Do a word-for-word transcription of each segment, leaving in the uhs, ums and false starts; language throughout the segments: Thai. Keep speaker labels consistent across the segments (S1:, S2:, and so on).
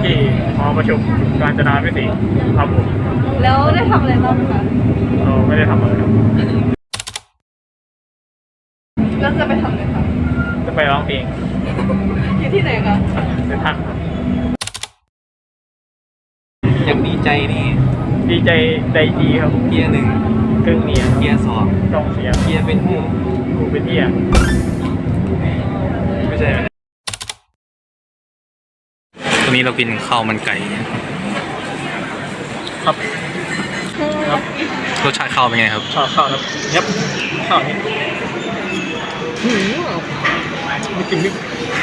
S1: ที่หอประชุมกาญจนาพิเศษครับผม
S2: แล้วได้ทำอะไรบ้างคะ
S1: เราไม่ได้ทำอะไรครับ
S2: แล้วจะไปทำอะไรคะ
S1: จะไปร้องเพลง
S2: อยู่ที่ไหนคะ
S1: เป็นทัก
S3: อย่างดีใจนี่
S1: ดีใจใจดีครับ
S3: เกียร์หนึ่ง
S1: ครึ่งเนีย
S3: เกียร์สอง
S1: กองเสีย
S3: เกียร์เป็นหู
S1: หูเป็นเอีย
S3: ไม่ใช่ตอนนี้เรากินข้าวมันไก่
S1: ครับครับ
S3: รสชาติข้าวเป็นไงครับ
S1: ข้าวข้าวครับยับข้าวนี้มีกลิ่นพริก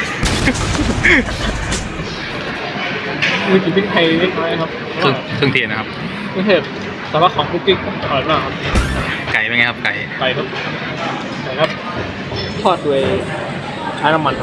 S1: มีกลิ่นพริกไทยเล็กน้อยครับ
S3: เครื่องเครื่องเทศนะครับ
S1: เครื่องเทศแต่ว่าของคุกกิ๊กอร่อยมากครับ
S3: ไก่เป็นไงครับไก่
S1: ไก่ครับไก่ครับทอดด้วยใช้น้ำมัน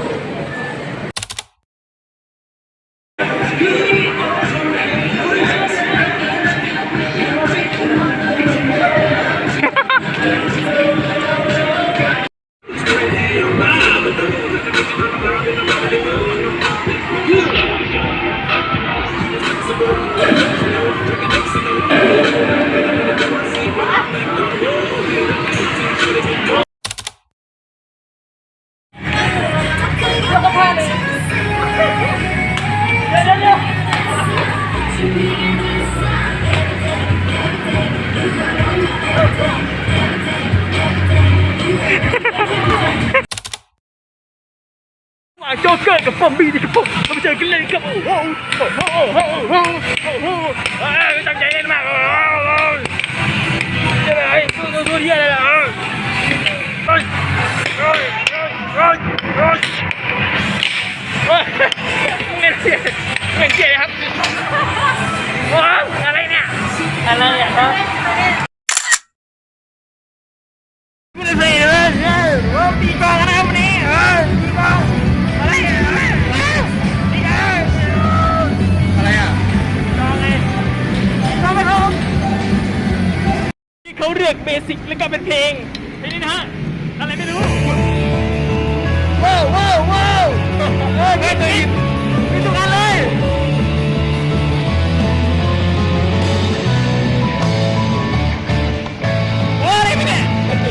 S1: โจ๊กเกอร์กับปอมบี้นี่ครับผมมาเจอกันเลยครับโอ้โหโอ้โหโอ้โหโอ้โหโอ้โหตั้งใจเล่นมากโอ้โหเจ๊อะไรตัวตัวเฮียอะไรล่ะโอ้ยโอ้ยโอ้ยโอ้ยโอ้ยเล่นเสียเล่นเสียครับโอ้ยอะไรเนี่ยอะไรเนี่ยครับไม่ได้เพลย์เลยโอ้ตีกองนะครับวันนี้เออตีกองอะไรอ่ะอะไรอ่ะจองไงจองไปครับที่เขาเรียกเบสิกแล้วก็เป็นเพลงเพลงนี้นะฮะอะไรไม่รู้ว้าวว้าวว้าวเออเพลงนี้มีทุกอันเลยโอ้อะไรไม่เนี่ย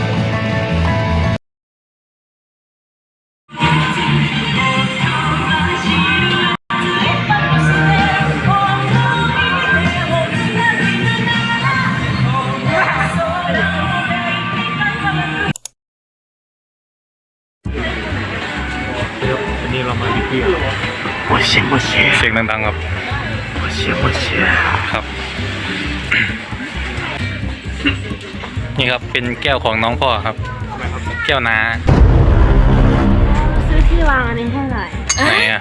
S1: วันนี้เรามาดิบเบี้ยโอ้เสียงโอ้เสียงเสียงดังๆครับโอ้เสียงโอ้เสียงครับนี่ครับเป็นแก้วของน้องพ่อครับแก้วน้า
S2: ซื้อที่วางอันนี้ให้หน่อย
S3: ไหนอ่ะ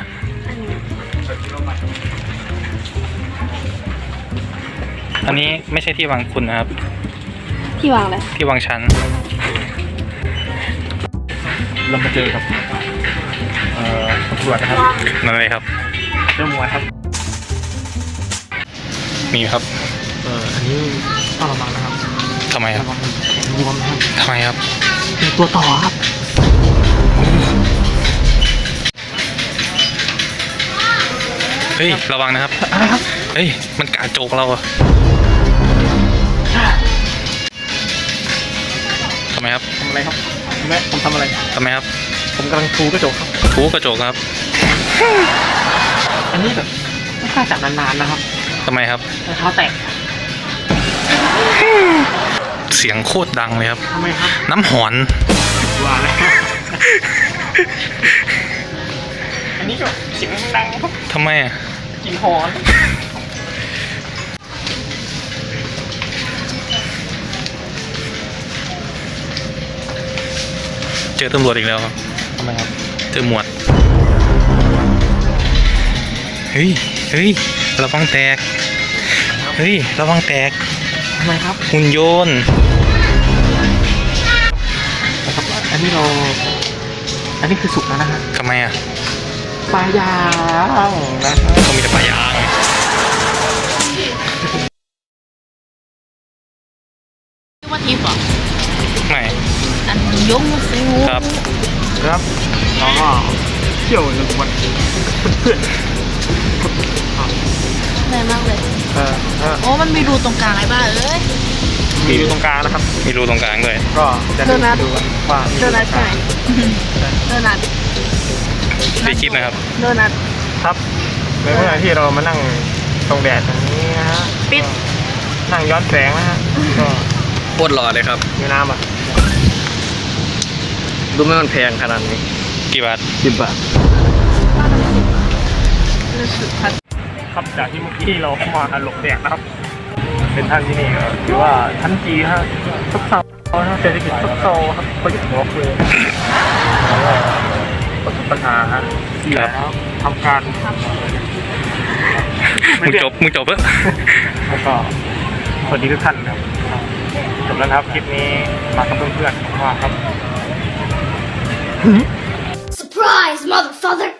S3: อันนี้ไม่ใช่ที่วางคุณนะครับ
S2: ที่วางเลย
S3: ที่วางชั้น
S1: เรามาเจอครับเอ่อตำรวจนะครับ
S3: นั่นเลยครับ
S1: เจ้ามวยครับ
S3: มีครับ
S1: เอ่ออันนี้ต้องระวังนะครับ
S3: ทำไมครับ
S1: ระวังรวมนะครับ
S3: ทำไมครับ
S1: เป็นตัวต่อครับ
S3: เฮ้ยระวังนะครับ
S1: อะไรครับ
S3: เฮ้ยมันกาโจกเราอะทำไมครับ
S1: ทำอะไรครับแม่ผมทำอะไร
S3: ทำไมครับ
S1: ผมกำลังทูกระจกครับ
S3: ทูกระจกครับ
S1: อันนี้แบบไม่กล้าจับนานๆนะครับ
S3: ทำไมครับ
S1: รองเท้าแตก
S3: เสียงโคตรดังเลยครับ
S1: ทำไมครับ
S3: น้ำหอน
S1: ว่าแล้วอันนี้ก็เสียงดังครับ
S3: ทำไมอ่ะ
S1: กินหอน
S3: เจอตำรวจอีกแล้วครับ
S1: ทำไมครับ
S3: เจอหมวดเฮ้ยเฮ้ยระวังแตกเฮ้ยระวังแตก
S1: ทำไมครับ
S3: หุ่นโยน
S1: นะครับอันนี้เราอันนี้คือสุกแล้วนะฮะ
S3: ทำไมอ่ะ
S1: ปลายางนะครับ
S3: เขามีแต่ปลายาง
S2: ว่าทิพย์เหรอ
S3: ไหน
S2: อันยงซิว
S3: ครับ
S1: ครับแล้วก็เที่ยวหนึ่งวันเพื่อน
S2: อ้มันมีรูตรงกลางไอ้บ้าเอ้ย
S1: มีอยู่ตรงกลางนะครับ
S3: มีรูตรงกลางด้วย
S1: ก็จะ
S2: โดนัท
S1: ดูว่ามี
S2: โดนัทใช่ไหมโดนัท
S3: ได้คลิปนะครับ
S2: โดนัท
S1: ครับในเมื่อที่เรามานั่งตรงแดดตรงนี้นะฮะ
S2: ปิด
S1: ก็นั่งย้อนแสงนะฮะก็
S4: โคตรหล่อเลยครับ
S1: มีน้ำอ่ะ
S4: ดูไม่มันแพงขนาดนี้
S3: กี่บาท
S4: สิบบาท
S2: รู้สึกพัด
S1: ครับจากที่เมื่อกี้เรามาหลบแดดนะครับ เป็นทางที่นี่ก็ถือว่าชั้นจีฮะซบเซานะเศรษฐกิจซบเซาครับประยุทธ์หัวคือแล้วก็ประสบปัญหาฮะเสียแล้วทำการ
S3: มึงจบ มึงจบเพิ่
S1: แล้วก็สวัสดีทุกท่านครับจบแล้วนะครับคลิปนี้มากับเพื่อนๆผมว่าครับ
S5: Surprise, motherfucker!